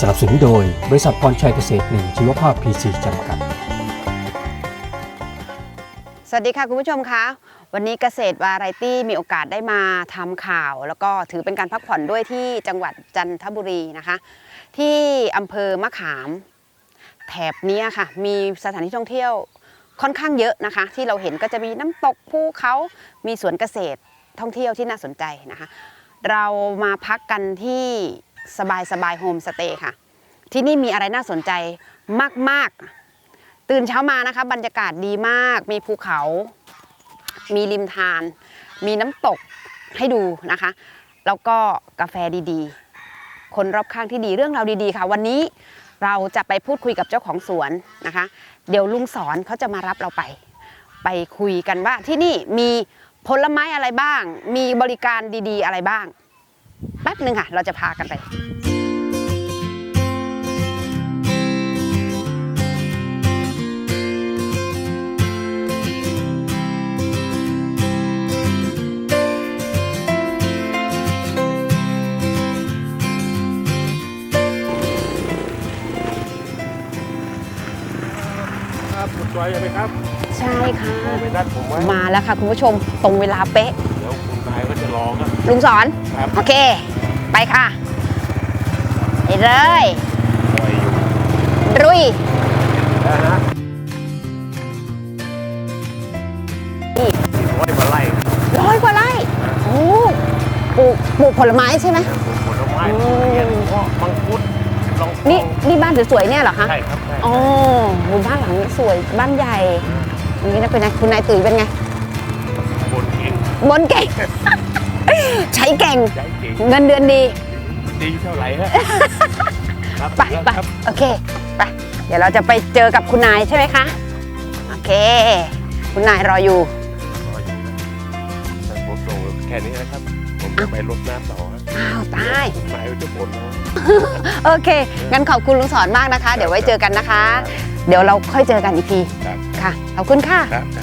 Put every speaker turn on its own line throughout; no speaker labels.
สนับสนุนโดยบริษัทพรชัยเกษตร1ชีวภาพ PC จำกัด
สวัสดีค่ะคุณผู้ชมคะวันนี้เกษตรวาไรตี้มีโอกาสได้มาทำข่าวแล้วก็ถือเป็นการพักผ่อนด้วยที่จังหวัดจันทบุรีนะคะที่อำเภอมะขามแถบนี้ค่ะมีสถานที่ท่องเที่ยวค่อนข้างเยอะนะคะที่เราเห็นก็จะมีน้ำตกภูเขามีสวนเกษตรท่องเที่ยวที่น่าสนใจนะคะเรามาพักกันที่สบายโฮมสเตย์ค่ะที่นี่มีอะไรน่าสนใจมากๆตื่นเช้ามานะคะบรรยากาศดีมากมีภูเขามีริมทานมีน้ำตกให้ดูนะคะแล้วก็กาแฟดีๆคนรอบข้างที่ดีเรื่องราวดีๆค่ะวันนี้เราจะไปพูดคุยกับเจ้าของสวนนะคะเดี๋ยวลุงสอนเขาจะมารับเราไปคุยกันว่าที่นี่มีผลไม้อะไรบ้างมีบริการดีๆอะไรบ้างแป๊บหนึ่งค่ะเราจะพากันไป
คุณจอยไหมครับ
ใช่ค่ะ
ไปนัดผมไว้
มาแล้วค่ะคุณผู้ชมตรงเวลาเป๊ะ
เดี๋ยวคุณนายก็จะรอครับ
ลุงสอนโอเคไปค่ะไปเลยรุย
นะฮะ
100 กว่าไร่โอ้ปลูกผลไม้ใช่ไหม
ผลไม้เงี้ยเพราะมังคุดลอง
นี่บ้านสวยๆเนี่ยเหรอคะ
ใช่ครับ
อ๋อบ้านหลังสวยบ้านใหญ่นี่นะเป็นไงคุณนายตุ๋ยเป็นไง
บนเก่ง
ใช้เก่งเงินเดือนดี
เท่าไหร่ฮะ
ไปโอเคไปเดี๋ยวเราจะไปเจอกับคุณนายใช่ไหมคะโอเคคุณนายรออยู่
ผมส่งแค่นี้นะครับผมจะไปรดน้ำต่อ
อ้าวตาย
นายจะบ่นแล้ว
โอเคงั้นขอบคุณลุงสอนมากนะคะเดี๋ยวไว้เจอกันนะคะเดี๋ยวเราค่อยเจอกันอีกทีค่ะขอบคุณค่ะ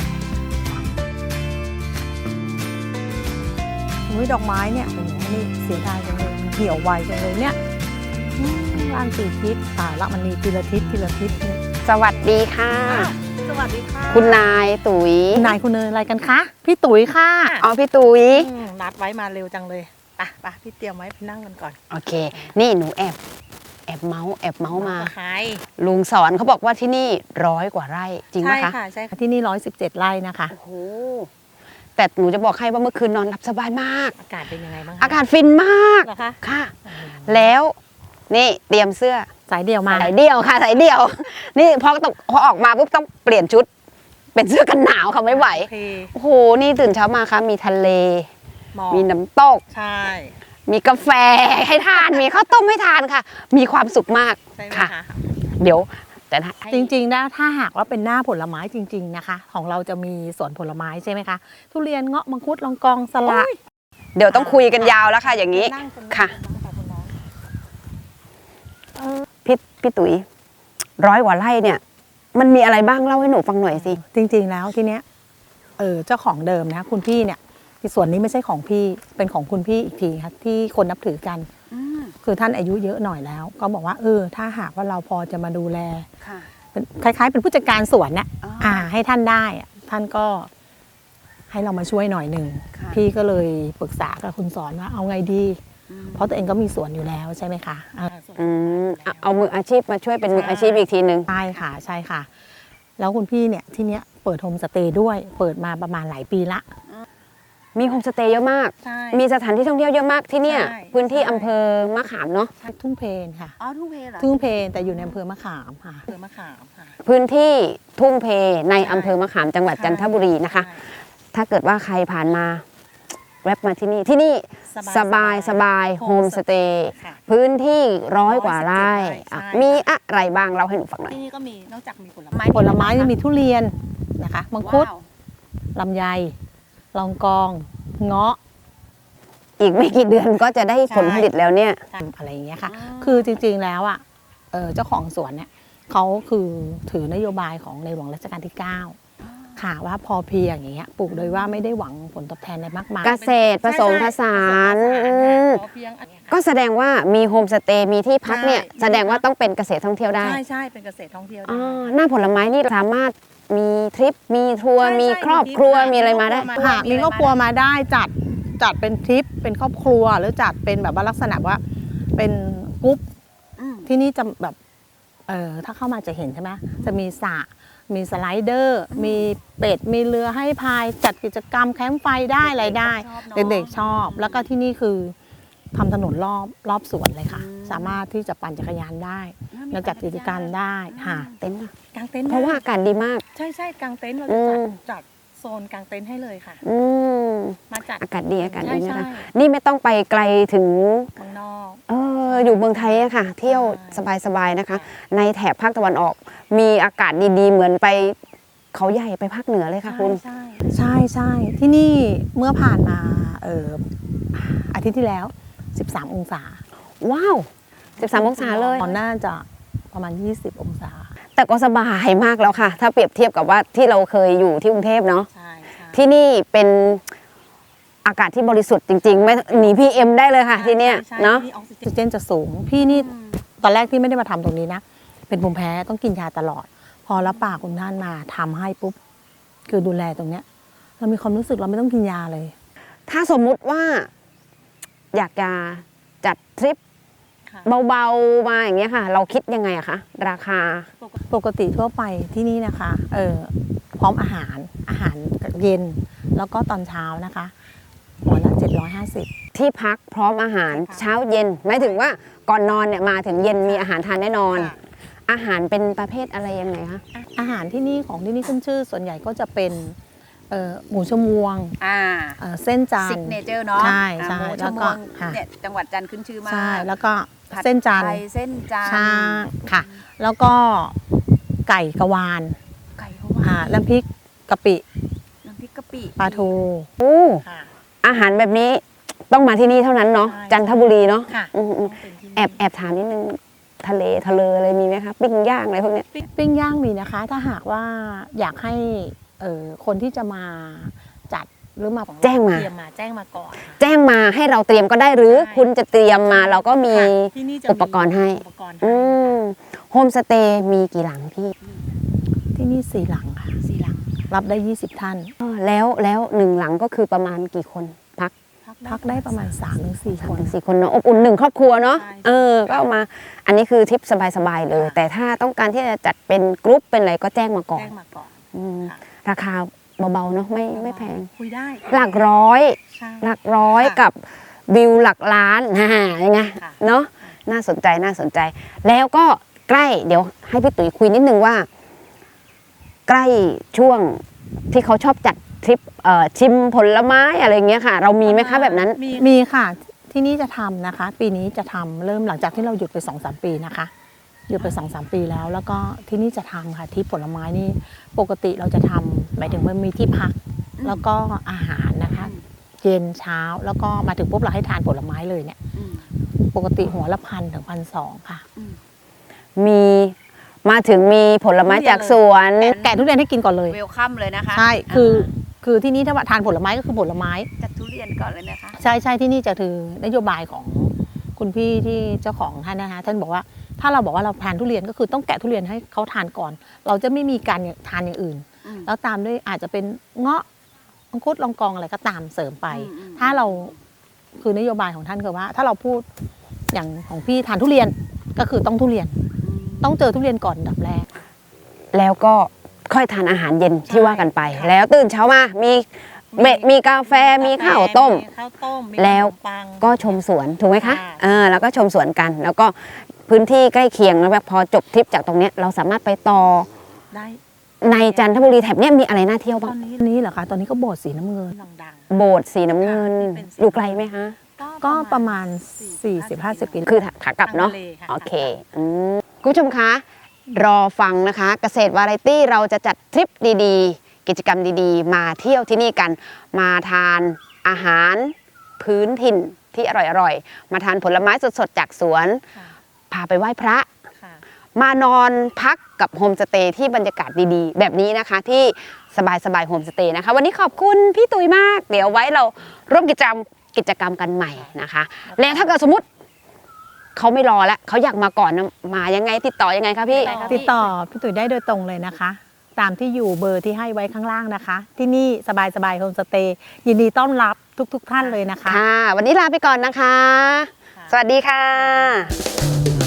ดอกไม้เนี่ยนี่เสียดายจังเลยเหี่ยวไวจังเลยเนี่ยร้าน4 ทิศละมันมีทีละทิศ
สวัสดีค่ะ
สวัสดีค่ะ
คุณนายตุ๋ย
คุณนายคุณเนยอะไรกันคะพี่ตุ๋ยค่ะ
อ๋อพี่ตุ๋ย
นัดไว้มาเร็วจังเลยไปพี่เตรียมไว้ไปนั่งกันก่อน
โอเคนี่หนูแอบเมาส์มา
ใคร
ลุงสอนเขาบอกว่าที่นี่100 กว่าไร่จริงไหมคะ
ใช่ค่ะที่นี่117 ไร่นะคะ
โอ้โหแต่หนูจะบอกให้ว่าเมื่อคืนนอนหลับสบายมาก
อากาศเป็นยังไงบ้าง
อากาศฟินมากค่ะแล้วนี่เตรียมเสื้อ
สายเดี่ยวมา
สายเดี่ยวค่ะสายเดี่ยวนี่พอออกมาปุ๊บต้องเปลี่ยนชุดเป็นเสื้อกันหนาวค่ะไม่ไหวโอ้โหนี่ตื่นเช้ามาค่ะมีทะเลมีน้ำตก
ใช่
มีกาแฟให้ทานมีข้าวต้มให้ทานค่ะมีความสุขมากค่ะเดี๋ยวแต่
จริงๆนะถ้าหากว่าเป็นหน้าผลไม้จริงๆนะคะของเราจะมีสวนผลไม้ใช่ไหมคะทุเรียนเงาะมังคุดลองกองสละ
เดี๋ยวต้องคุยกันยาวแล้วค่ะอย่างนี้ค่ะพี่ตุ๋ย100 กว่าไร่เนี่ยมันมีอะไรบ้างเล่าให้หนูฟังหน่อยสิ
จริงๆแล้วที่เนี้ยเจ้าของเดิมนะคุณพี่เนี่ยส่วนนี้ไม่ใช่ของพี่เป็นของคุณพี่อีกทีค่ะที่คนนับถือกันคือท่านอายุเยอะหน่อยแล้วก็บอกว่าถ้าหากว่าเราพอจะมาดูแลเป็นคล้ายๆเป็นผู้จัดการสวนเนี่ยให้ท่านได้ท่านก็ให้เรามาช่วยหน่อยหนึ่งพี่ก็เลยปรึกษากับคุณสอนว่าเอาไงดีเพราะตัวเองก็มีสวนอยู่แล้วใช่ไหมคะ
เอามืออาชีพมาช่วยเป็นมืออาชีพอีกทีนึง
ใช่ค่ะแล้วคุณพี่เนี่ยที่เนี้ยเปิดโฮมสเตย์ด้วยเปิดมาประมาณหลายปีละ
มีโฮมสเตย์เยอะมากมีสถานที่ท่องเที่ยวเยอะมากที่เนี่ยพื้นที่อำเภอมะขามเนาะ
ทุ่งเพนค่ะ
ทุ่งเพนเหรอ
ทุ่งเพนแต่อยู่ในอำเภอมะขามค่ะ
พื้นที่ทุ่งเพในอำเภอมะขามจังหวัดจันทบุรีนะคะถ้าเกิดว่าใครผ่านมาแวะมาที่นี่สบายโฮมสเตย์พื้นที่100 กว่าไร่มีอะไรบ้างเล่าให้หนูฟังหน่อย
ที่นี่ก็มีนอกจากมีผลไม้มีทุเรียนนะคะมังคุดลำไยลองกองเงาะ
อีกไม่กี่เดือนก็จะได้ผลผลิตแล้วเนี่ย
อะไรอย่างเงี้ยค่ะคือจริงๆแล้วเจ้าของสวนเนี่ยเขาคือถือนโยบายของในหลวงรัชกาลที่9 ค่ะว่าพอเพียงอย่างเงี้ยปลูกโดยว่าไม่ได้หวังผลตอบแทนอะไรมากมาย
เกษตรผสมผสาน
พอเพียงอันเนี้ยค่ะ
ก็แสดงว่ามีโฮมสเตย์มีที่พักเนี่ย
ใช่
แสดงว่าต้องเป็นเกษตรท่องเที่ยวได้
ใช่เป็นเกษตรท่องเที่ยวได้
หน้าผลไม้นี่สามารถมีทริปมีทัวร์
ใช่
มีครอบครัวมีอะไรมาได้
หากมีครอบครัวมาได้จัดเป็นทริปเป็นครอบครัวหรือจัดเป็นแบบว่าลักษณะว่าเป็นกรุ๊ปที่นี่จะแบบถ้าเข้ามาจะเห็นใช่ไหมจะมีสระมีสไลเดอร์มีเป็ดมีเรือให้พายจัดกิจกรรมแคมป์ไฟได้อะไรได้เด็กๆชอบแล้วก็ที่นี่คือทำถนนรอบสวนเลยค่ะ สามารถที่จะปั่นจักรยานได้แล้วจัดกิจกรรมได้ค่ะ
เต็นท์
กางเต็นท์
เพราะว่าอากาศดีมาก
ใช่กางเต็นท์เราจะจัดโซนกางเต็นท์ให้เลยค่ะ มาจัด
อากาศดีอากาศดี
ใช่
นะคะนี่ไม่ต้องไปไกลถึง
เมืองนอก
อยู่เมืองไทยอะค่ะ เที่ยวสบายๆนะคะ ในแถบภาคตะวันออก มีอากาศดีๆเหมือนไปเขาใหญ่ไปภาคเหนือเลยค่ะคุณ
ใช่ที่นี่เมื่อผ่านมาอาทิตย์ที่แล้ว 13 องศา
ว้าว 13 องศาเลย
ตอนน่าจะประมาณ 20 องศา
แต่ก็สบายมากแล้วค่ะ ถ้าเปรียบเทียบกับว่าที่เราเคยอยู่ที่กรุงเทพเนาะ
ใช่
ที่นี่เป็นอากาศที่บริสุทธิ์จริงๆไม่หนี PM ได้เลยค่ะที่เนี้ยเนาะ
ออกซิเจนจะสูง พี่นี่ตอนแรกที่ไม่ได้มาทำตรงนี้นะ เป็นภูมิแพ้ต้องกินยาตลอด พอรับปากคุณท่านมาทำให้ปุ๊บ คือดูแลตรงเนี้ย เรามีความรู้สึกเราไม่ต้องกินยาเลย
ถ้าสมมุติว่าอยากจะจัดทริปเบาๆมาอย่างเงี้ยค่ะ เราคิดยังไงอะคะราคา
ปกติทั่วไปที่นี่นะคะพร้อมอาหารเย็นแล้วก็ตอนเช้านะคะหัวละ750
ที่พักพร้อมอาหารเช้าเย็นหมายถึงว่าก่อนนอนเนี่ยมาถึงเย็นมีอาหารทานแน่นอน อาหารเป็นประเภทอะไรยังไงคะ
อาหารที่นี่ของที่นี่ขึ้นชื่อส่วนใหญ่ก็จะเป็นหมูชมวงเส้นจันท
ซิ
ร์
กเนเจอร์เนาะ
ใช่
หมูช
แล้ว
ม
ก็
วงเนี่ยจังหวัดจันทร์ขึ้นชื่อมาก
ใช่แล้วก็
ผัด
เส้นจันทร์
ไทยเส้นจันทร์
ช่างค่ะ แล้วก็ไก่กะวาน
ไก่เขาว่า
น้ำพริกกะปิ
น้ำพริกกะปิ
ปลาทู
โอ้อาหารแบบนี้ต้องมาที่นี่เท่านั้นเนาะ
ใช่
จันทบุรีเนาะ
ค่ะ
แอบถามนิดนึงทะเลอะไรมีไหมคะปิ้งย่างอะไรพวกเนี้ย
ปิ้งย่างมีนะคะ ถ้าหากว่าอยากให้คนที่จะมาจัดหรือมา
แจ้งมา
เตรียมมาแจ้งมาก่อนค่ะ
แจ้งมาให้เราเตรียมก็ได้หรือ
ใช่
คุณจะเตรียมมาเราก็มี
ค่ะที่นี่จะมี
อุปกรณ์ให้
อุปกรณ์
อื
ให้
มโฮมสเตย์มีกี่หลังพี่
ที่นี่4 หลังค่ะ
4 หลัง
รับได้ 20 ท่าน
แล้ว1 หลังก็คือประมาณกี่คนพัก
พักได้ประมาณ 3-4 คน
4 คนเนาะอบอุ่น1 ครอบครัวเนาะ
ใช่
ก็เอามาอันนี้คือทริปสบายๆเลย แต่ถ้าต้องการที่จะจัดเป็นกรุ๊ปเป็นอะไรก็แจ้งมาก่อน
แจ้งมาก่อน
อืม
ค่ะ
ราคาเบาๆเนาะไม่แพง
คุยได้
หลักร้อย
ใช่
หลักร้อย
ค่ะ
กับวิวหลักล้านยังไง
ค่ะ
เนาะน่าสนใจแล้วก็ใกล้เดี๋ยวให้พี่ตุ๋ยคุยนิดนึงว่า ใกล้ช่วงที่เขาชอบจัดทริปชิมผลไม้อะไรเงี้ยค่ะ เรามีไหมคะแบบนั้น
มีค่ะที่นี่จะทำนะคะ ปีนี้จะทำเริ่มหลังจากที่เราหยุดไป 2-3 ปีนะคะหยุดไป 2-3 ปีแล้วก็ที่นี่จะทำค่ะที่ผลไม้นี่ปกติเราจะทำหมายถึงว่ามีที่พักแล้วก็อาหารนะคะ เย็นเช้าแล้วก็มาถึงปุ๊บเราให้ทานผลไม้เลยเนี่ยปกติหัวละ1,000 ถึง 1,200 ค่ะ
มีมาถึงมีผลไม้จากสวน
แกะทุเรียนให้กินก่อนเลย
เวลคัมเลยนะคะ
ใช่คือที่นี่ถ้าว่าทานผลไม้ก็คือผลไม้
จัดทุเรียนก่อนเลยนะคะ
ใช่ที่นี่จะถือนโยบายของคุณพี่ที่เจ้าของท่านนะคะท่านบอกว่าถ้าเราบอกว่าเราทานทุเรียนก็คือต้องแกะทุเรียนให้เขาทานก่อน เราจะไม่มีการทานอย่างอื่น แล้วตามด้วยอาจจะเป็นเงาะมังคุดลองกองอะไรก็ตามเสริมไป ถ้าเราคือนโยบายของท่านคือว่า ถ้าเราพูดอย่างของพี่ทานทุเรียนก็คือต้องทุเรียน ต้องเจอทุเรียนก่อนอันดับแรก
แล้วก็ค่อยทานอาหารเย็นที่ว่ากันไป แล้วตื่นเช้ามามีกาแฟมีข้าวต้ม แล้วก็ชมสวนถูกไหมคะแล้วก็ชมสวนกัน แล้วก็พื้นที่ใกล้เคียงแล้วแบบพอจบทริปจากตรงเนี้ยเราสามารถไปต่อ
ได้
ในจันทบุรีแถบเนี้ยมีอะไรน่าเที่ยว
ต
บ้า
อง นนี้เหรอคะตอนนี้ก็โบสถ์สีน้ำเงินดัง
โบสถ์สีน้ำเงินอยู่ไกลไหมคะ
ๆก็ประมาณ 40-50 กิโล
คือขากลับเนาะ
ทางทะเลค่ะ
โอเคคุณผู้ชมคะรอฟังนะคะเกษตรวาไรตี้เราจะจัดทริปดีๆ กิจกรรมดีๆ มาเที่ยวที่นี่กันมาทานอาหารพื้นถิ่นที่อร่อยๆมาทานผลไม้สดๆจากสวนพาไปไหว้พระมานอนพักกับโฮมสเตย์ที่บรรยากาศดีๆ แบบนี้นะคะที่สบายโฮมสเตย์นะคะ วันนี้ขอบคุณพี่ตุ๋ยมาก เดี๋ยวไว้เราร่วมกิจกรรมกันใหม่นะคะ แล้วถ้าเกิดสมมติเขาไม่รอแล้วเขาอยากมาก่อนนะมายังไงติดต่อยังไงคะพี่
ติดต่อพี่ตุ๋ยได้โดยตรงเลยนะคะ ตามที่อยู่เบอร์ที่ให้ไว้ข้างล่างนะคะ ที่นี่สบายโฮมสเตย์ยินดีต้อนรับทุกท่านเลยนะคะ
ค่ะ วันนี้ลาไปก่อนนะคะ สวัสดีค่ะ